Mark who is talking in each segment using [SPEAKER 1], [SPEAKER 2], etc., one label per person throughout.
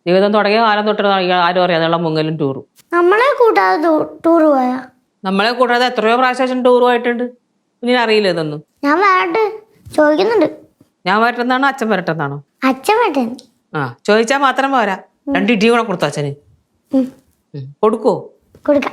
[SPEAKER 1] ജീവിതം തുടങ്ങിയ കാലം തൊട്ട് ആരും അറിയാം അതുള്ള മുങ്ങലും ടൂറും.
[SPEAKER 2] നമ്മളെ കൂട്ടാതെ ടൂർ പോയാ?
[SPEAKER 1] നമ്മളെ കൂടാതെ എത്രയോ പ്രാവശ്യം ടൂർ പോയിട്ടുണ്ട്. ഇനി അറിയില്ല ഇതൊന്നും.
[SPEAKER 2] ഞാൻ വരട്ടെ ചോദിക്കുന്നുണ്ട്.
[SPEAKER 1] ഞാൻ വരട്ടെന്നാണോ അച്ഛൻ വരട്ടെന്നാണോ?
[SPEAKER 2] അച്ഛൻ വരട്ടെ.
[SPEAKER 1] ആ ചോദിച്ചാൽ മാത്രം പോരാ, 2 ഇടി കൂടെ കൊടുത്തു അച്ഛന്. കൊടുക്കോ?
[SPEAKER 2] കൊടുക്കാം.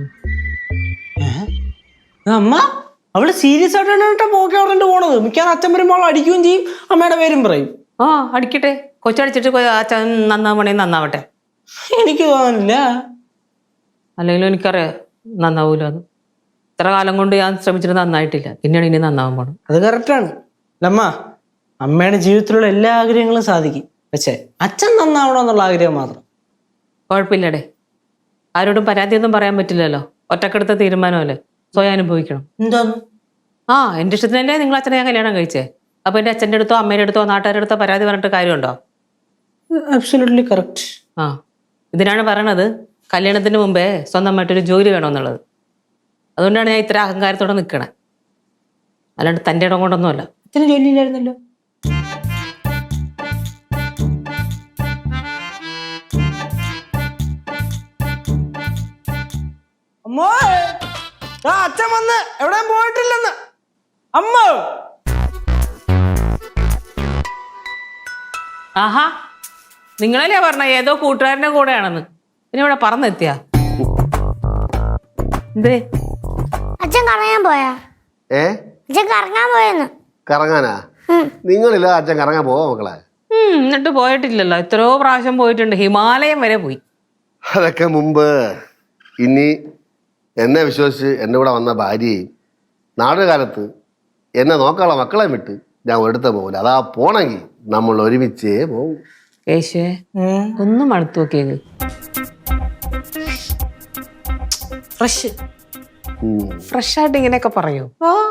[SPEAKER 3] അമ്മ അവള് സീരിയസ് ആയിട്ടാണ് പോക്കോറണ്ട് പോണത്. മിക്കവാറും അച്ഛൻ വരുമ്പോൾ അടിക്കുകയും ചെയ്യും, അമ്മയുടെ പേരും പറയും.
[SPEAKER 1] ആ അടിക്കട്ടെ, കൊച്ചടിച്ചിട്ട് അച്ഛൻ നന്നാവണേ നന്നാവട്ടെ.
[SPEAKER 3] എനിക്ക് തോന്നുന്നില്ല.
[SPEAKER 1] അല്ലെങ്കിലും എനിക്കറിയാം നന്നാവൂല. അത് ഇത്ര കാലം കൊണ്ട് ഞാൻ ശ്രമിച്ചിട്ട് നന്നായിട്ടില്ല, പിന്നെയാണ് ഇനി നന്നാവാൻ പോണം.
[SPEAKER 3] അത് കറക്റ്റാണ് അമ്മ. അമ്മയുടെ ജീവിതത്തിലുള്ള എല്ലാ ആഗ്രഹങ്ങളും സാധിക്കും, പക്ഷേ അച്ഛൻ നന്നാവണമെന്നുള്ള ആഗ്രഹം മാത്രം.
[SPEAKER 1] കുഴപ്പമില്ലടേ, ആരോടും പരാതിയൊന്നും പറയാൻ പറ്റില്ലല്ലോ. ഒറ്റക്കെടുത്ത തീരുമാനമല്ലേ, സ്വയം അനുഭവിക്കണം.
[SPEAKER 3] എന്താന്ന്?
[SPEAKER 1] ആ എൻ്റെ ഇഷ്ടത്തിനല്ലേ നിങ്ങൾ അച്ഛനെ ഞാൻ കല്യാണം കഴിച്ചേ. അപ്പൊ എൻ്റെ അച്ഛൻ്റെ അടുത്തോ അമ്മയുടെ അടുത്തോ നാട്ടുകാരുടെ അടുത്തോ പരാതി പറഞ്ഞിട്ട് കാര്യമുണ്ടോ?
[SPEAKER 3] Absolutely correct.
[SPEAKER 1] ആ ഇതിനാണ് പറയണത് കല്യാണത്തിന് മുമ്പേ സ്വന്തമായിട്ടൊരു ജോലി വേണമെന്നുള്ളത്. അതുകൊണ്ടാണ് ഞാൻ ഇത്ര അഹങ്കാരത്തോടെ നിൽക്കണേ, അല്ലാണ്ട് തൻ്റെ ഇടം കൊണ്ടൊന്നുമല്ല.
[SPEAKER 3] അച്ഛന് ജോലിയില്ലായിരുന്നല്ലോ. അമ്മോ അച്ഛൻ വന്ന് എവിടെയും പോയിട്ടില്ലെന്ന്. അമ്മ
[SPEAKER 1] ആഹാ നിങ്ങളല്ലേ പറഞ്ഞ ഏതോ കൂട്ടുകാരൻ്റെ കൂടെയാണെന്ന്, പിന്നെ ഇവിടെ പറന്നെത്തിയാ എന്തേ?
[SPEAKER 2] അച്ഛൻ കറങ്ങാൻ പോയാ? അച്ഛൻ കറങ്ങാൻ പോയെന്ന്.
[SPEAKER 4] കറങ്ങാനാ? നിങ്ങളില്ല അച്ഛൻ കറങ്ങാൻ പോവാ മക്കളെ?
[SPEAKER 1] എന്നിട്ട് പോയിട്ടില്ലല്ലോ, എത്രയോ പ്രാവശ്യം പോയിട്ടുണ്ട്, ഹിമാലയം വരെ പോയി.
[SPEAKER 4] അതൊക്കെ മുമ്പ്. ഇനി എന്നെ വിശ്വസിച്ച് എൻ്റെ കൂടെ വന്ന ഭാര്യയും നാടുകാലത്ത് എന്നെ നോക്കാനുള്ള മക്കളെ വിട്ട് ഞാൻ ഒരിടത്ത് പോകില്ല. അതാ പോണെങ്കിൽ നമ്മൾ ഒരുമിച്ചേ പോകും.
[SPEAKER 1] കേശുവേ ഒന്നും അടുത്ത് നോക്കിയത് ഫ്രഷായിട്ട് ഇങ്ങനെയൊക്കെ പറയൂ.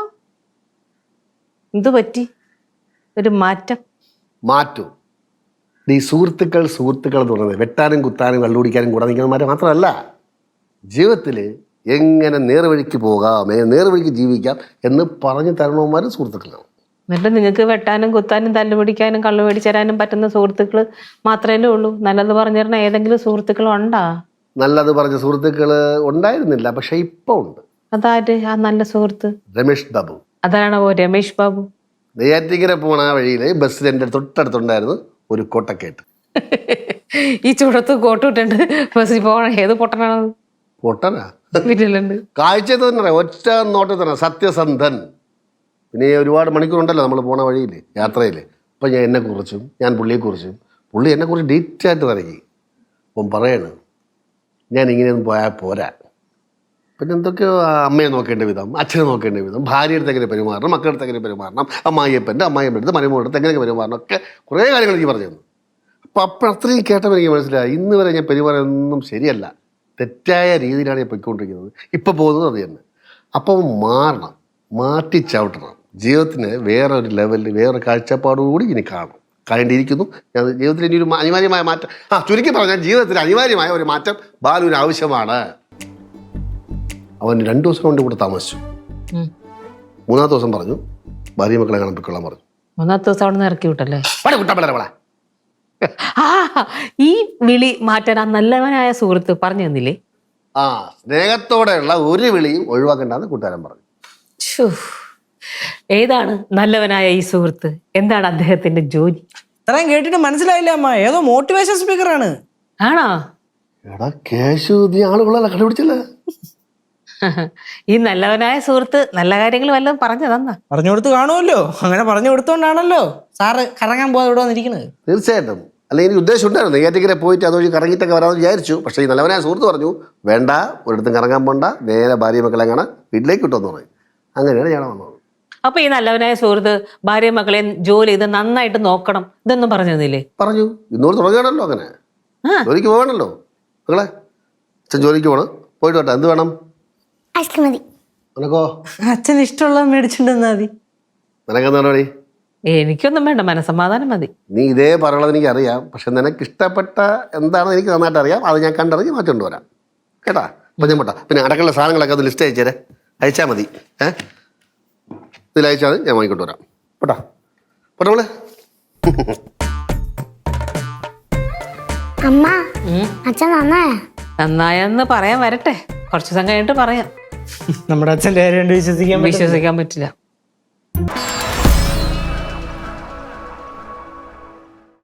[SPEAKER 1] എന്ത് പറ്റി? ഒരു മാറ്റം
[SPEAKER 4] മാറ്റും. ഈ സുഹൃത്തുക്കൾ എന്ന് പറയുന്നത് വെട്ടാനും കുത്താനും കള്ളുപിടിക്കാനും കൂടെ നിൽക്കുന്നവന്മാരെ മാത്രമല്ല, ജീവിതത്തിൽ എങ്ങനെ നേർവഴിക്ക് പോകാം, നേർവഴിക്ക് ജീവിക്കാം എന്ന് പറഞ്ഞു തരണവന്മാരും സുഹൃത്തുക്കളാണ്.
[SPEAKER 1] എന്നിട്ട് നിങ്ങൾക്ക് വെട്ടാനും കുത്താനും തല്ലുപിടിക്കാനും കള്ളു മേടിച്ചേരാനും പറ്റുന്ന സുഹൃത്തുക്കൾ മാത്രമേ ഉള്ളൂ? നല്ലത് പറഞ്ഞു തരണ ഏതെങ്കിലും സുഹൃത്തുക്കൾ ഉണ്ടാ?
[SPEAKER 4] നല്ലത് പറഞ്ഞ സുഹൃത്തുക്കൾ ഉണ്ടായിരുന്നില്ല, പക്ഷെ ഇപ്പൊ ഉണ്ട്.
[SPEAKER 1] അതാര് ആ നല്ല സുഹൃത്ത്?
[SPEAKER 4] രമേഷ് ബാബു.
[SPEAKER 1] അതാണോ രമേഷ് ബാബു?
[SPEAKER 4] നെയ്യാറ്റിങ്കര പോണ വഴിയിൽ ബസ്സിൽ എൻ്റെ തൊട്ടടുത്തുണ്ടായിരുന്നു ഒരു കോട്ടക്കേട്ട്.
[SPEAKER 1] ഈ ചുടത്ത് കോട്ടിട്ടുണ്ട് ബസ്സിൽ പോകണ ഏത് പൊട്ടനാണത്?
[SPEAKER 4] പൊട്ടനാ?
[SPEAKER 1] വീട്ടിലുണ്ട്.
[SPEAKER 4] കാഴ്ച തന്നെ ഒറ്റ നോട്ടത്തിൽ തന്നെ സത്യസന്ധൻ. പിന്നെ ഒരുപാട് മണിക്കൂറുണ്ടല്ലോ നമ്മൾ പോണ വഴിയിൽ യാത്രയിൽ. അപ്പം ഞാൻ എന്നെക്കുറിച്ചും ഞാൻ പുള്ളിയെക്കുറിച്ചും, പുള്ളി എന്നെക്കുറിച്ച് ഡീറ്റെയിലായിട്ട് തിരക്കി. അപ്പം പറയണ് ഞാൻ ഇങ്ങനെയൊന്നും പോയാൽ പോരാ, പിന്നെ എന്തൊക്കെയോ അമ്മയെ നോക്കേണ്ട വിധം, അച്ഛനെ നോക്കേണ്ട വിധം, ഭാര്യ അടുത്ത് എങ്ങനെ പെരുമാറണം, മക്കളുടെ അടുത്ത് എങ്ങനെ പെരുമാറണം, അമ്മായിയപ്പൻ്റെ അടുത്ത് മരുമോളുടെ അടുത്ത് എങ്ങനെ പെരുമാറണം, ഒക്കെ കുറേ കാര്യങ്ങൾ എനിക്ക് പറഞ്ഞു തന്നു. അപ്പോൾ അത്രയും കേട്ടപ്പോൾ എനിക്ക് മനസ്സിലായി ഇന്ന് വരെ ഞാൻ പെരുമാറുന്നതൊന്നും ശരിയല്ല, തെറ്റായ രീതിയിലാണ് ഞാൻ പൊയ്ക്കൊണ്ടിരിക്കുന്നത്. ഇപ്പോൾ പോകുന്നത് അത് തന്നെ. അപ്പം മാറണം, മാറ്റി ചവിട്ടണം. ജീവിതത്തിന് വേറൊരു ലെവലിൽ വേറൊരു കാഴ്ചപ്പാടുകൂടി ഇനി കാണേണ്ടിയിരിക്കുന്നു. ഞാൻ ജീവിതത്തിൽ ഇനി ഒരു അനിവാര്യമായ മാറ്റം, ചുരുക്കി പറഞ്ഞാൽ ജീവിതത്തിൽ അനിവാര്യമായ ഒരു മാറ്റം ബാലുവിന് ആവശ്യമാണ്. അവൻ 2 ദിവസം കൊണ്ട് കൂടെ താമസിച്ചു. 3-ാമത്തെ ദിവസം പറഞ്ഞു ഭാര്യ മക്കളെ കാണാൻ പൊയ്ക്കൊള്ളാൻ പറഞ്ഞു.
[SPEAKER 1] 3-ാമത്തെ ദിവസം അവിടെ നിന്ന് ഇറക്കി വിട്ടല്ലേ? ഈ വിളി മാറ്റാൻ ആ നല്ലവനായ സുഹൃത്ത് പറഞ്ഞു തന്നില്ലേ?
[SPEAKER 4] സ്നേഹത്തോടെയുള്ള ഒരു വിളിയും ഒഴിവാക്കണ്ടെന്ന് കൂട്ടുകാരൻ പറഞ്ഞു.
[SPEAKER 1] ഏതാണ് നല്ലവനായ ഈ സുഹൃത്ത്? എന്താണ് അദ്ദേഹത്തിന്റെ ജോലി?
[SPEAKER 3] ഇത്രയും കേട്ടിട്ട് മനസ്സിലായില്ല അമ്മ, ഏതോ മോട്ടിവേഷൻ സ്പീക്കറാണ്.
[SPEAKER 1] ആണോ?
[SPEAKER 4] എടാ കേശു, നീ ആളുകളല്ല കണ്ടുപിടിച്ചല്ല.
[SPEAKER 1] ഈ നല്ലവനായ സുഹൃത്ത് നല്ല കാര്യങ്ങൾ വല്ലതും പറഞ്ഞു തന്നാ?
[SPEAKER 3] പറഞ്ഞു കൊടുത്ത് കാണുമല്ലോ. അങ്ങനെ പറഞ്ഞു കൊടുത്തോണ്ടാണല്ലോ സാറ് കറങ്ങാൻ പോകാതെ ഇവിടെ വന്നിരിക്കുന്നത്.
[SPEAKER 4] തീർച്ചയായിട്ടും. അല്ലെങ്കിൽ എനിക്ക് ഉദ്ദേശം ഉണ്ടായിരുന്നു നെയ്യാറ്റിക്കര പോയിട്ട് അതുവഴി കറങ്ങിയിട്ടൊക്കെ വരാമെന്ന് വിചാരിച്ചു. പക്ഷേ ഈ നല്ലവനായ സുഹൃത്ത് പറഞ്ഞു വേണ്ട, ഒരിടത്തും കറങ്ങാൻ പോണ്ട, നേരെ ഭാര്യ മക്കളെ കാണാൻ വീട്ടിലേക്ക് കിട്ടുമെന്ന് പറയും. അങ്ങനെയാണ് ഞാൻ വന്നത്.
[SPEAKER 1] അപ്പൊ ഈ നല്ലവനായ സുഹൃത്ത് ഭാര്യ മക്കളെ ജോലി ചെയ്ത് നന്നായിട്ട് നോക്കണം ഇതൊന്നും പറഞ്ഞു തന്നില്ലേ?
[SPEAKER 4] പറഞ്ഞു. ഇന്നോട് തുടങ്ങുകയാണല്ലോ, അങ്ങനെ ജോലിക്ക് പോകണല്ലോ മക്കളെ. അച്ഛൻ ജോലിക്ക് പോകണം, പോയിട്ട് വേണ്ട. എന്ത് വേണം?
[SPEAKER 2] ഐസ്ക്രീം മതി.
[SPEAKER 4] നിനക്കോ?
[SPEAKER 3] അച്ഛൻ ഇഷ്ടമുള്ള മേടിച്ചിട്ടുണ്ടെന്നാ മതി.
[SPEAKER 4] നിനക്കെന്താ പരിപാടി?
[SPEAKER 1] എനിക്കൊന്നും വേണ്ട, മനസ്സമാധാനം മതി.
[SPEAKER 4] നീ ഇതേ പറയുന്നത് എനിക്കറിയാം, പക്ഷെ നിനക്ക് ഇഷ്ടപ്പെട്ട എന്താണെന്ന് എനിക്ക് നന്നായിട്ട് അറിയാം. അത് ഞാൻ കണ്ടറിഞ്ഞ് മാറ്റം വരാം കേട്ടാ. അപ്പം ഞാൻ പോട്ടാ. പിന്നെ അടക്കമുള്ള സാധനങ്ങളൊക്കെ ഒന്ന് ലിസ്റ്റ് അയച്ചേരെ, അയച്ചാൽ മതി. ഇതിൽ അയച്ചാൽ ഞാൻ വാങ്ങിക്കൊണ്ട് വരാം. പോട്ടാ പോട്ടെ മോളെ.
[SPEAKER 2] അമ്മ
[SPEAKER 1] ഉം.
[SPEAKER 2] അച്ഛൻ നന്നായ
[SPEAKER 1] നന്നായെന്ന് പറയാൻ വരട്ടെ, കുറച്ച് ദിവസം കഴിഞ്ഞിട്ട് പറയാം.
[SPEAKER 3] നമ്മുടെ അച്ഛൻ്റെ കാര്യം കൊണ്ട് വിശ്വസിക്കാൻ പറ്റില്ല.
[SPEAKER 1] വിശ്വസിക്കാൻ പറ്റില്ല.